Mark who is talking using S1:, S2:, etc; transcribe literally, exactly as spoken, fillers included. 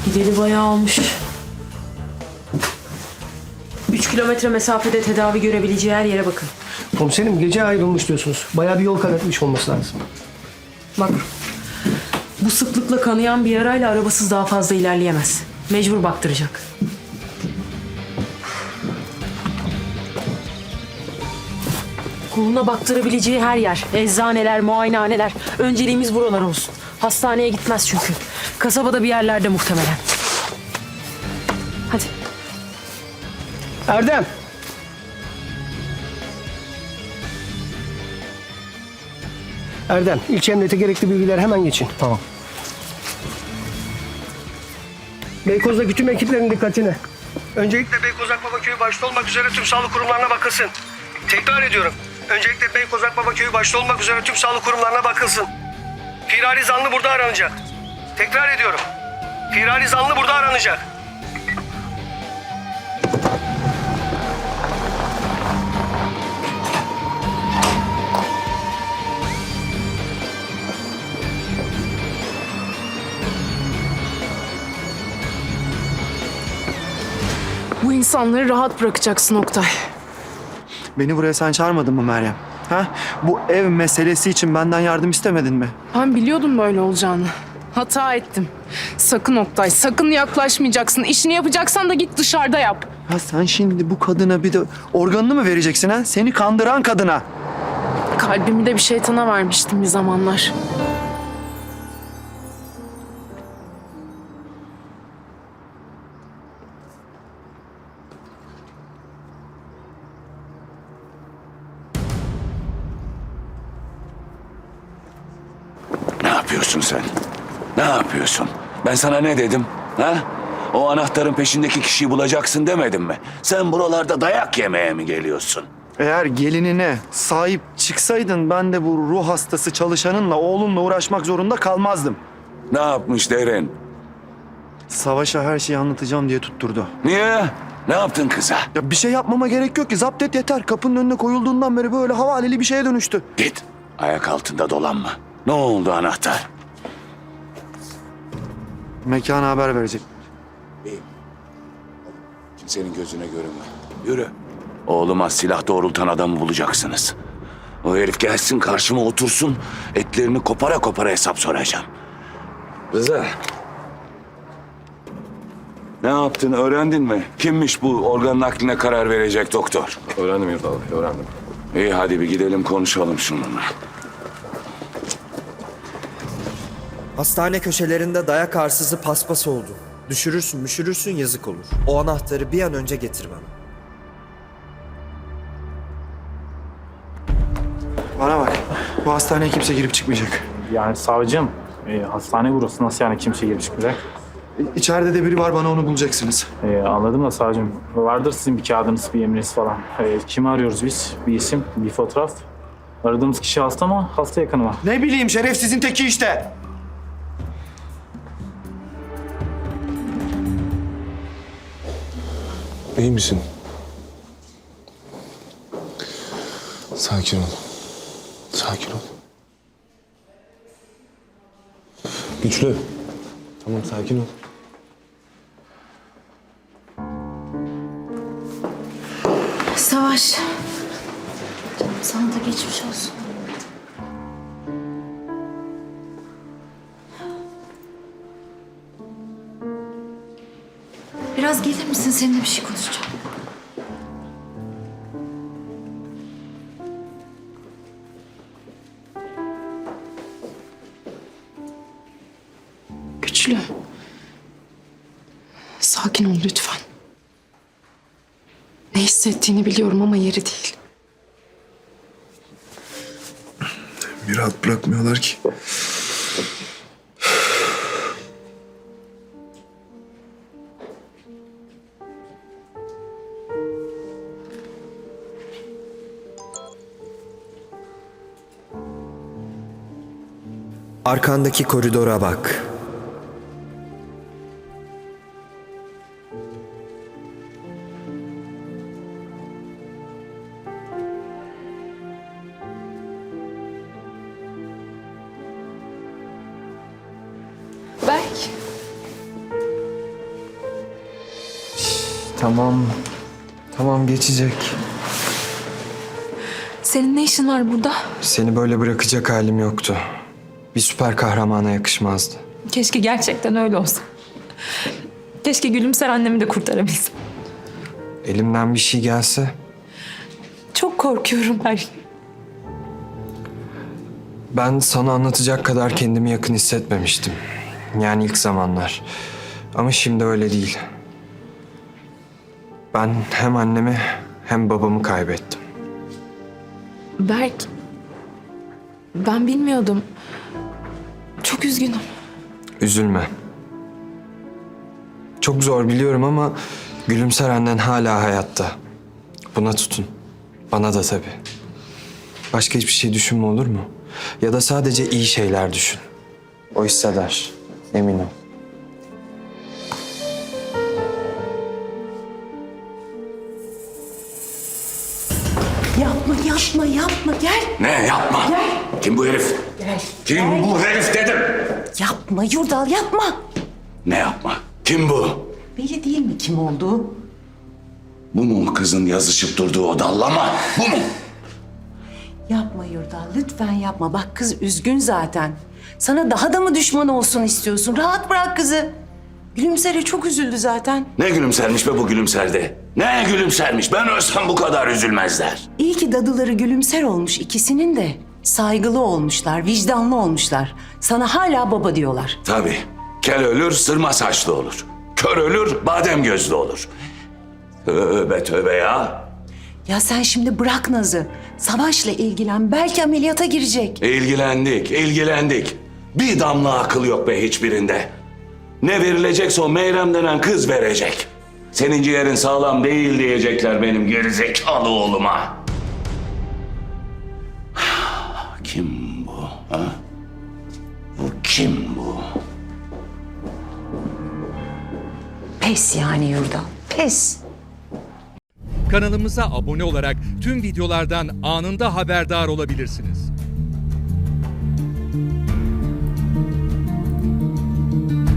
S1: Gideli bayağı olmuş. Üç kilometre mesafede tedavi görebileceği her yere bakın.
S2: Komiserim gece ayrılmış diyorsunuz. Bayağı bir yol kat etmiş olması lazım.
S1: Bak, bu sıklıkla kanayan bir yarayla arabasız daha fazla ilerleyemez. Mecbur baktıracak. Koluna baktırabileceği her yer, eczaneler, muayenehaneler. Önceliğimiz buralar olsun. Hastaneye gitmez çünkü. Kasabada bir yerlerde muhtemelen. Hadi.
S2: Erdem! Erdem, ilçe emniyete gerekli bilgiler hemen geçin.
S3: Tamam.
S2: Beykoz'daki tüm ekiplerin dikkatine. Öncelikle Beykoz Akbaba Köyü başta olmak üzere tüm sağlık kurumlarına bakılsın. Tekrar ediyorum. Öncelikle Beykoz Akbaba Köyü başta olmak üzere tüm sağlık kurumlarına bakılsın. Firari zanlı burada aranacak. Tekrar ediyorum. Firari zanlı burada aranacak.
S4: Bu insanları rahat bırakacaksın Oktay.
S3: Beni buraya sen çağırmadın mı Meryem? Ha? Bu ev meselesi için benden yardım istemedin mi?
S4: Ben biliyordum böyle olacağını. Hata ettim. Sakın Oktay, sakın yaklaşmayacaksın. İşini yapacaksan da git dışarıda yap.
S3: Ha sen şimdi bu kadına bir de organını mı vereceksin ha? Seni kandıran kadına.
S4: Kalbimi de bir şeytana vermiştim bir zamanlar.
S5: Ne yapıyorsun sen? Ne yapıyorsun? Ben sana ne dedim? Ha? O anahtarın peşindeki kişiyi bulacaksın demedim mi? Sen buralarda dayak yemeye mi geliyorsun?
S3: Eğer gelinine sahip çıksaydın ben de bu ruh hastası çalışanınla oğlunla uğraşmak zorunda kalmazdım.
S5: Ne yapmış Derin?
S3: Savaş'a her şeyi anlatacağım diye tutturdu.
S5: Niye? Ne yaptın kıza?
S3: Ya bir şey yapmama gerek yok ki. Zapt et yeter. Kapının önüne koyulduğundan beri böyle havaleli bir şeye dönüştü.
S5: Git. Ayak altında dolanma. Ne oldu anahtar?
S3: Mekana haber verecek.
S5: İyi. Kimsenin gözüne görünme. Yürü. Oğluma silah doğrultan adamı bulacaksınız. O herif gelsin karşıma otursun. Etlerini kopara kopara hesap soracağım. Rıza. Ne yaptın öğrendin mi? Kimmiş bu organ nakline karar verecek doktor?
S6: Öğrendim Yurdal Bey, öğrendim.
S5: İyi hadi bir gidelim konuşalım şununla.
S7: Hastane köşelerinde dayak arsızı paspas oldu. Düşürürsün müşürürsün yazık olur. O anahtarı bir an önce getir bana.
S3: Bana bak. Bu hastaneye kimse girip çıkmayacak.
S8: Yani savcım, e, hastane burası nasıl yani kimse girip çıkmayacak?
S3: İçeride de biri var, bana onu bulacaksınız.
S8: E, anladım da savcım, vardır sizin bir kağıdınız, bir emriniz falan. E, kimi arıyoruz biz? Bir isim, bir fotoğraf. Aradığımız kişi hasta mı, hasta yakını mı?
S3: Ne bileyim, şerefsizin teki işte.
S6: İyi misin? Sakin ol. Sakin ol. Güçlü. Tamam, sakin ol.
S9: Savaş. Canım sana da geçmiş olsun. Biraz gelir misin? Seninle bir şey konuşacağım.
S4: Güçlü. Sakin ol lütfen. Ne hissettiğini biliyorum ama yeri değil.
S6: Bir rahat bırakmıyorlar ki.
S7: Arkandaki koridora bak.
S4: Berk.
S7: Tamam. Tamam geçecek.
S9: Senin ne işin var burada?
S7: Seni böyle bırakacak halim yoktu. Bir süper kahramana yakışmazdı.
S9: Keşke gerçekten öyle olsa. Keşke Gülümser annemi de kurtarabilsem.
S7: Elimden bir şey gelse
S9: Çok korkuyorum her gün.
S7: ben sana anlatacak kadar kendimi yakın hissetmemiştim. Yani ilk zamanlar. Ama şimdi öyle değil. Ben hem annemi hem babamı kaybettim.
S9: Berk, ben bilmiyordum. Çok üzgünüm.
S7: Üzülme. Çok zor biliyorum ama Gülümser annen hala hayatta. Buna tutun. Bana da tabii. Başka hiçbir şey düşünme olur mu? Ya da sadece iyi şeyler düşün. O hisseder. Emin ol.
S1: Yapma, yapma, yapma. Gel.
S5: Ne yapma? Kim bu herif?
S1: Gel.
S5: Kim bu herif dedim.
S1: Yapma Yurdal, yapma.
S5: Ne yapma? Kim bu?
S1: Belli değil mi kim olduğu?
S5: Bu mu kızın yazışıp durduğu o dallama? Bu mu?
S10: Yapma Yurdal, lütfen yapma. Bak kız üzgün zaten. Sana daha da mı düşman olsun istiyorsun? Rahat bırak kızı. Gülümser'e çok üzüldü zaten.
S5: Ne gülümsermiş be bu gülümserde? Ne gülümsermiş? Ben ölsem bu kadar üzülmezler.
S10: İyi ki dadıları Gülümser olmuş ikisinin de. Saygılı olmuşlar, vicdanlı olmuşlar. Sana hala baba diyorlar.
S5: Tabii. Kel ölür, sırma saçlı olur. Kör ölür, badem gözlü olur. Tövbe tövbe ya.
S10: Ya sen şimdi bırak Naz'ı. Savaş'la ilgilen. Belki ameliyata girecek.
S5: İlgilendik, ilgilendik. Bir damla akıl yok be hiçbirinde. Ne verilecekse o Meyrem denen kız verecek. Senin ciğerin sağlam değil diyecekler benim gerizekalı oğluma. Kim bu? Ha? Bu kim bu?
S10: Pes yani Yurdal, pes.
S11: Kanalımıza abone olarak tüm videolardan anında haberdar olabilirsiniz.